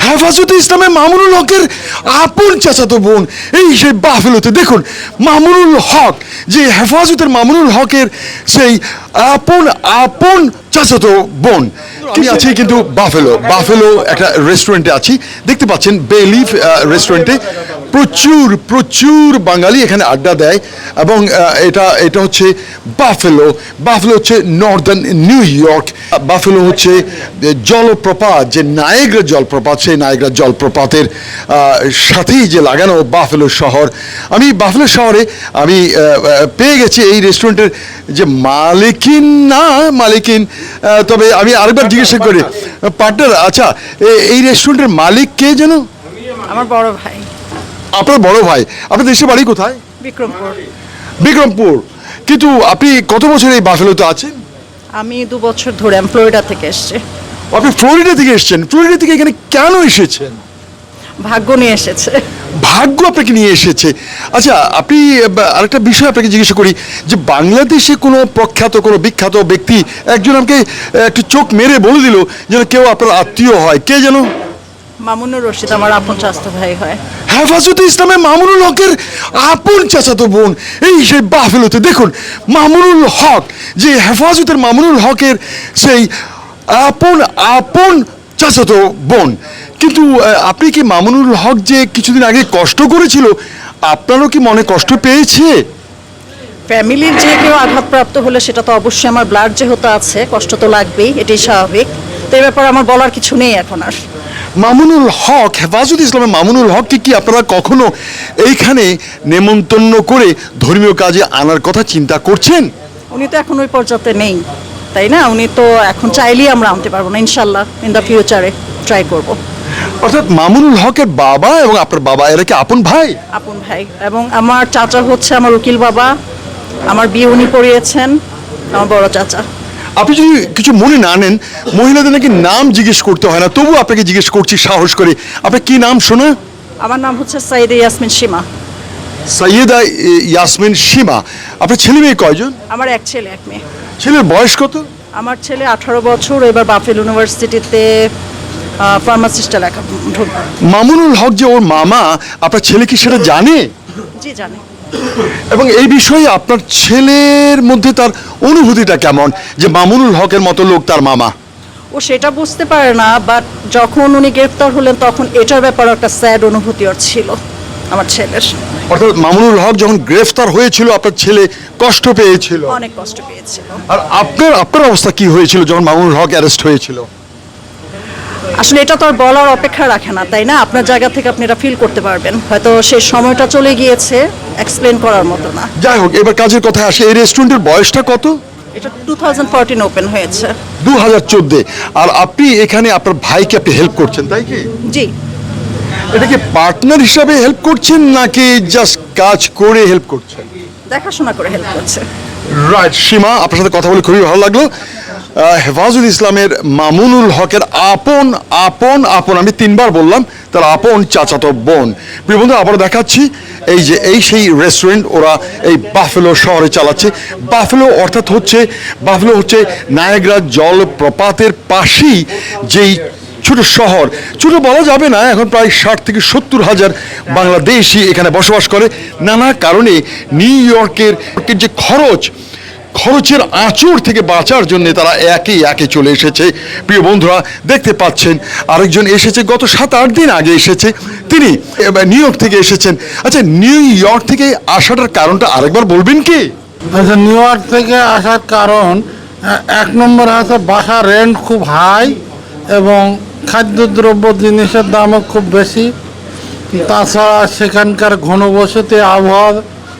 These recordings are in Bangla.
হেফাজতে ইসলামে মামুনুল হকের আপন চাচাতো বোন এই সেই বাফেলোতে দেখুন মামুনুল হক যে হেফাজতের মামুনুল হকের সেই আপন আপন চাচাতো বোন। আমি আছি কিন্তু বাফেলো একটা রেস্টুরেন্টে আছি, দেখতে পাচ্ছেন বেলিফ রেস্টুরেন্টে প্রচুর প্রচুর বাঙালি এখানে আড্ডা দেয় এবং এটা হচ্ছে বাফেলো হচ্ছে নর্দার্ন নিউ ইয়র্ক। বাফেলো হচ্ছে জলপ্রপাত, যে নায়াগ্রা জলপ্রপাত, সেই নায়াগ্রা জলপ্রপাতের সাথেই যে লাগানো বাফেলো শহর। আমি বাফেলো শহরে আমি পেয়ে গেছি এই রেস্টুরেন্টের যে মালিকিন, তবে আমি আরেকবার জিজ্ঞাসা করি পার্টনার, আচ্ছা এই রেস্টুরেন্টের মালিক কে যেন? আমার বড় ভাই। আপনার বড় ভাই? আপনার দেশের বাড়ি কোথায়? বিক্রমপুর। কিন্তু আপনি কত বছর এই বাফেলোতে আছেন? আমি 2 বছর ধরে ফ্লোরিডা থেকে এসেছি। আপনি ফ্লোরিডা থেকে এসেছেন? ফ্লোরিডা থেকে এখানে কেন এসেছেন? ভাগ্য নিয়ে এসেছে। ভাগ্য আপনাকে নিয়ে এসেছে। আচ্ছা, আপনি আরেকটা বিষয় আপনাকে জিজ্ঞাসা করি যে বাংলাদেশে কোনো প্রখ্যাত কোনো বিখ্যাত ব্যক্তি একজন আমাকে একটু চোখ মেরে বলে দিল যেন কেউ আপনার আত্মীয় হয়, কে যেন? মামুনুর রশিদ আমার আপন চাচাতো ভাই হয়। হেফাজতে ইসলামে মামুনুল হকের আপন চাচাতো বোন এই সেই বাফেলোতে দেখুন মামুনুল হক যে হেফাজতের মামুনুল হকের সেই আপন আপন চাচাতো বোন। কিন্তু আপনি কি মামুনুল হক যে কিছুদিন আগে কষ্ট করেছিল, আপনারও কি মনে কষ্ট পেয়েছে? ফ্যামিলির যে কেউ আঘাতপ্রাপ্ত হলে সেটা তো অবশ্যই আমার ব্লাড যেহেতু আছে, কষ্ট তো লাগবেই, এটাই স্বাভাবিক। তো এই ব্যাপারে আমার বলার কিছু নেই এখন আর। মামুনুল হক, হেফাজতে ইসলামের মামুনুল হককে কি আপনারা কখনো এইখানে নেমন্তন্ন করে ধর্মীয় কাজে আনার কথা চিন্তা করছেন? উনি তো এখন ওই পর্যায়ে নেই, তাই না? উনি তো এখন চাইলেই আমরা আনতে পারবো না, ইনশাল্লাহ ইন দ্য ফিউচারে ট্রাই করব। অর্থাৎ মামুনুল হকের বাবা এবং আপনার বাবা এরা কি আপন ভাই? আপন ভাই, এবং আমার চাচা হচ্ছে আমার উকিল বাবা, আমার বিয়ে উনি পড়িয়েছেন, আমার বড় চাচা। আপনি যদি কিছু মনে না নেন, মহিলাদের নাকি নাম জিজ্ঞেস করতে হয় না, তবু আপনাকে জিজ্ঞেস করছি সাহস করে, আপনার কি নাম শোনা? আমার নাম হচ্ছে সাইয়েদা ইয়াসমিন সীমা। সৈয়দা ইয়াসমিন সীমা। আপনার ছেলে মেয়ে কয়জন? আমার এক ছেলে এক মেয়ে। ছেলের বয়স কত? আমার ছেলে 18 বছর, এবার বাফেল ইউনিভার্সিটিতে ফার্মাসিস্টে লেখা ঢুকবে। মামুনুল হক যে ওর মামা, আপনার ছেলে কি সেটা জানে? জি জানে। এবং এই বিষয়ে আপনার ছেলের মধ্যে তার অনুভূতিটা কেমন যে মামুনুল হকের মতো লোক তার মামা? ও সেটা বুঝতে পারে না, বাট যখন উনি গ্রেফতার হলেন তখন এটার ব্যাপারে একটা স্যাড অনুভূতি ওর ছিল আমার ছেলের। অর্থাৎ মামুনুল হক যখন গ্রেফতার হয়েছিল আপনার ছেলে কষ্ট পেয়েছিল? অনেক কষ্ট পেয়েছিল। আর আপনার অবস্থা কি হয়েছিল যখন মামুনুল হক অ্যারেস্ট হয়েছিল? আসলে এটা তো আর বলার অপেক্ষা রাখে না, তাই না? আপনার জায়গা থেকে আপনি এটা ফিল করতে পারবেন, হয়তো সেই সময়টা চলে গিয়েছে, এক্সপ্লেন করার মতো না। যাই হোক, এবার কাজের কথা আসে, এই রেস্টুরেন্টের বয়সটা কত? এটা 2014 ওপেন হয়েছে। 2014। আর আপনি এখানে আপনার ভাইকে আপনি হেল্প করছেন, তাই কি? জি। এটা কি পার্টনার হিসাবে হেল্প করছেন নাকি জাস্ট কাজ করে হেল্প করছেন? দেখাশোনা করে হেল্প করছে। রাইট সীমা, আপনার সাথে কথা বলে খুবই ভালো লাগলো। হেফাজতে ইসলামের মামুনুল হকের আপন আপন আপন, আমি 3 বার বললাম, তার আপন চাচাতো বোন। প্রিয় বন্ধু, আবার দেখাচ্ছি এই সেই রেস্টুরেন্ট ওরা এই বাফেলো শহরে চালাচ্ছে। বাফেলো হচ্ছে নায়াগ্রা জলপ্রপাতের পাশেই যেই ছোট শহর, ছোট বলা যাবে না, এখন প্রায় 60 থেকে 70 হাজার বাংলাদেশি এখানে বসবাস করে। নানা কারণে নিউ ইয়র্কের যে খরচের আঁচড় থেকে বাঁচার জন্য তারা একে চলে এসেছে। প্রিয় বন্ধুরা, দেখতে পাচ্ছেন আরেকজন এসেছে, গত 7-8 দিন আগে এসেছে, তিনি নিউ ইয়র্ক থেকে এসেছেন। আচ্ছা, নিউ ইয়র্ক থেকে আসাটার কারণটা আরেকবার বলবেন কি? আচ্ছা, নিউ ইয়র্ক থেকে আসার কারণ 1 নম্বর আছে বাসা রেন্ট খুব হাই এবং খাদ্যদ্রব্য জিনিসের দামও খুব বেশি। তাছাড়া সেখানকার ঘনবসতি আবহাওয়ার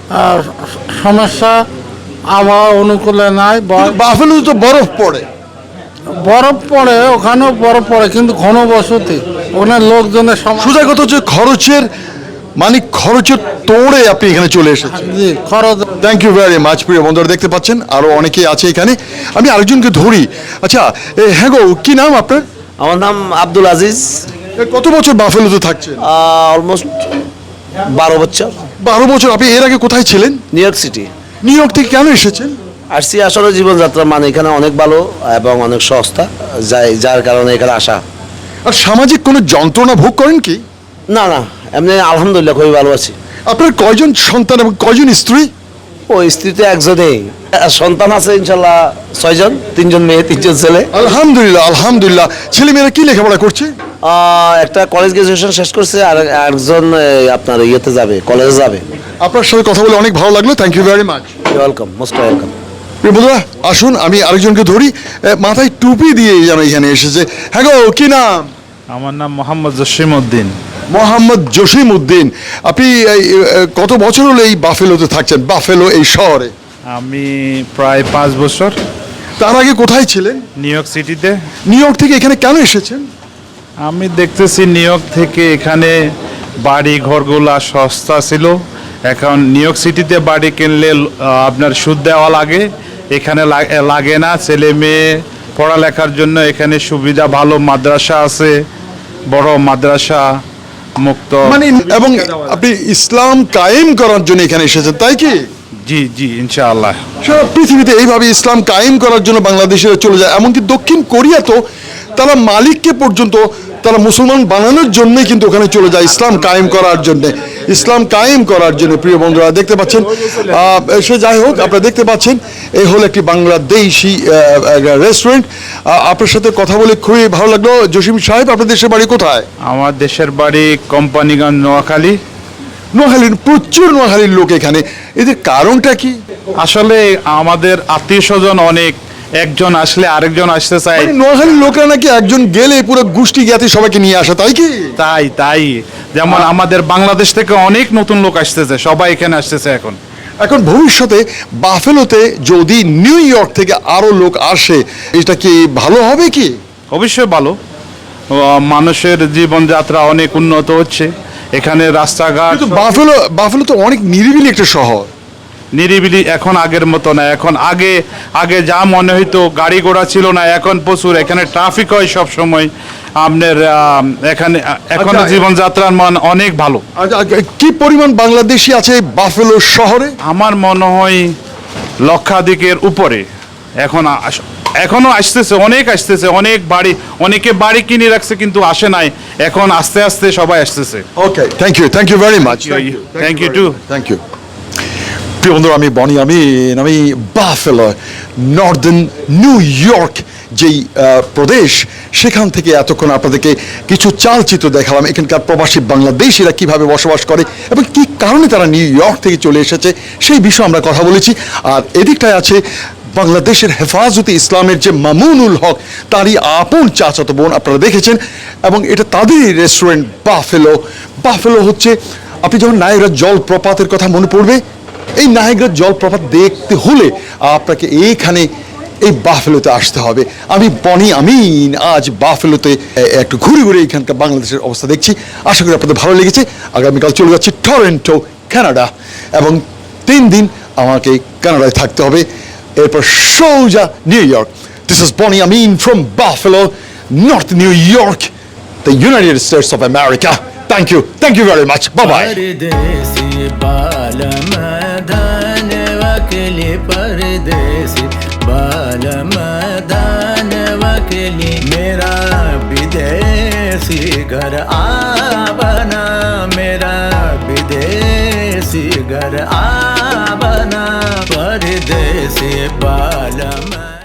সমস্যা, আবহাওয়া অনুকূলে নাই। বাফেলো তো বরফ পড়ে, ওখানেও বরফ পড়ে, কিন্তু ঘনবসতি, ওখানে লোকজনের সোজা কথা হচ্ছে খরচের তোড়ে আপনি এখানে চলে এসেছেন। জি, খরচ। Thank you very much. প্রিয় বন্ধুরা, দেখতে পাচ্ছেন আরো অনেকেই আছে এখানে, আমি আরেকজনকে ধরি। আচ্ছা, হ্যাঁ গো, কি নাম আপনার? আমার নাম আব্দুল আজিজ। কত বছর বাফেলোতে থাকছেন? অলমোস্ট 12 বছর। 12 বছর। আপনি এর আগে কোথায় ছিলেন? New York City. New York থেকে কেন এসেছেন? আসছি আসলে জীবনযাত্রা মানে এখানে অনেক ভালো এবং অনেক সস্তা, যার কারণে এখানে আসা। আর সামাজিক কোনো যন্ত্রণা ভোগ করেন কি? না না, এমনি আলহামদুলিল্লাহ খুবই ভালো আছি। আপনার কয়জন সন্তান এবং কয়জন স্ত্রী? ও স্ত্রী তো একজনেই, সন্তান আছে ইনশাল্লাহ 6 জন, 3 জন মেয়ে 3 জন ছেলে। আলহামদুলিল্লাহ আলহামদুলিল্লাহ। ছেলেমেয়েরা কি লেখাপড়া করছে? একটা কলেজ গ্রাজুয়েশন শেষ করছে, আর একজন আপনার ইয়েতে যাবে, কলেজে যাবে। আপনার সাথে কথা বলে অনেক ভালো লাগলো, thank you very much. Welcome, most welcome. প্রিয় বন্ধুরা, আসুন আমি আরেকজনকে ধরি। মাথায় টুপি দিয়ে যেন এখানে এসেছে। হ্যাঁ গো, কি নাম? আমার নাম মোহাম্মদ জসিম উদ্দিন। মোহাম্মদ জসিম উদ্দিন। আপনি কত বছর হলো এই বাফেলোতে থাকছেন, বাফেলো এই শহরে? আমি প্রায় 5 বছর। তার আগে কোথায় ছিলেন? নিউ ইয়র্ক সিটিতে। নিউ ইয়র্ক থেকে এখানে কেন এসেছেন? আমি দেখতেছি নিউ ইয়র্ক থেকে এখানে বাড়ি ঘরগুলা সস্তা ছিল। এখন নিউ ইয়র্ক সিটিতে বাড়ি কিনলে আপনার সুদ দেওয়া লাগে, এখানে লাগে না। ছেলে মেয়ে পড়ালেখার জন্য এখানে সুবিধা ভালো, মাদ্রাসা আছে, বড় মাদ্রাসা, মুক্ত মানে এবং আপনি ইসলাম কায়েম করার জন্য এখানে এসেছেন, তাই কি? জি জি, ইনশাআল্লাহ। সারা পৃথিবীতে এইভাবে ইসলাম কায়েম করার জন্য বাংলাদেশিরা চলে যায়। এমনকি দক্ষিণ কোরিয়া তো তারা মালিককে পর্যন্ত তারা মুসলমান বানানোর জন্যই কিন্তু ওখানে চলে যায়, ইসলাম কায়েম করার জন্য, ইসলাম কায়েম করার জন্য। প্রিয় বন্ধুরা দেখতে পাচ্ছেন, সে যাই হোক, আপনারা দেখতে পাচ্ছেন এই হলো একটি বাংলাদেশি রেস্টুরেন্ট। আপনার সাথে কথা বলে খুবই ভালো লাগলো। জসিম সাহেব, আপনার দেশের বাড়ি কোথায়? আমার দেশের বাড়ি কোম্পানিগঞ্জ, নোয়াখালী। নোয়াখালীর, প্রচুর নোয়াখালীর লোক এখানে, এদের কারণটা কি? আসলে আমাদের আত্মীয় স্বজন অনেক, একজন আসলে আরেকজন আসতে চায়। মানে নোয়াখালীর লোকরা নাকি একজন গেলে পুরো গোষ্ঠী জ্ঞাতি সবাইকে নিয়ে আসে, তাই কি? তাই যেমন আমাদের বাংলাদেশ থেকে অনেক নতুন লোক আসতেছে, সবাই এখানে আসতেছে এখন। এখন ভবিষ্যতে বাফেলোতে যদি নিউ ইয়র্ক থেকে আরো লোক আসে, এটা কি ভালো হবে কি? অবশ্যই ভালো। মানুষের জীবনযাত্রা অনেক উন্নত হচ্ছে এখানে, রাস্তাঘাট কিন্তু বাফেলো তো অনেক নিরিবিলি একটা শহর। নিরিবিলি এখন আগের মতো না। এখন আগে যা মনে হইতো, গাড়ি ঘোড়া ছিল না, এখন প্রচুর এখানে ট্রাফিক হয় সব সময়। আপনার এখানে এখন আচ্ছা, জীবনযাত্রার মান অনেক ভালো। কি পরিমাণ বাংলাদেশি আছে বাফেলো শহরে? আমার মনে হয় লক্ষাধিকের উপরে। এখনো আসতেছে, অনেক আসতেছে, অনেকে বাড়ি কিনে রাখছে কিন্তু আসে নাই, এখন আস্তে আস্তে সবাই আসতেছে। Okay, thank you very much. Thank you too. Thank you. প্রিয় বন্ধুরা, আমি বাফেলো, নর্দার্ন নিউ ইয়র্ক যেই প্রদেশ, সেখান থেকে এতক্ষণ আপনাদেরকে কিছু চালচিত্র দেখালাম। এখানকার প্রবাসী বাংলাদেশিরা কিভাবে বসবাস করে এবং কি কারণে তারা নিউ ইয়র্ক থেকে চলে এসেছে, সেই বিষয়ে আমরা কথা বলেছি। আর এদিকটায় আছে বাংলাদেশের হেফাজতে ইসলামের যে মামুনুল হক, তারই আপন চাচাতো বোন, আপনারা দেখেছেন। এবং এটা তাদেরই রেস্টুরেন্ট বাফেলো হচ্ছে, আপনি যখন নায়াগ্রা জলপ্রপাতের কথা মনে পড়বে, এই নায়াগ্রা জলপ্রপাত দেখতে হলে আপনাকে এইখানে এই বাফেলোতে আসতে হবে। আমি বনি আমিন আজ বাফেলোতে একটু ঘুরে এখানকার বাংলাদেশের অবস্থা দেখছি। আশা করি আপনাদের ভালো লেগেছে। আগামীকাল চলে যাচ্ছি টরন্টো, কানাডা, এবং 3 দিন আমাকে কানাডায় থাকতে হবে, এরপর সোজা new York. This is Bonnie Amin from Buffalo, north New York, the United States of America. Thank you very much. Bye-bye. परदेसी बालमदान वकली, परदेसी बालमदान वकली, मेरा विदेशी घर आबना, मेरा विदेशी घर आबना, परदेसी बालम।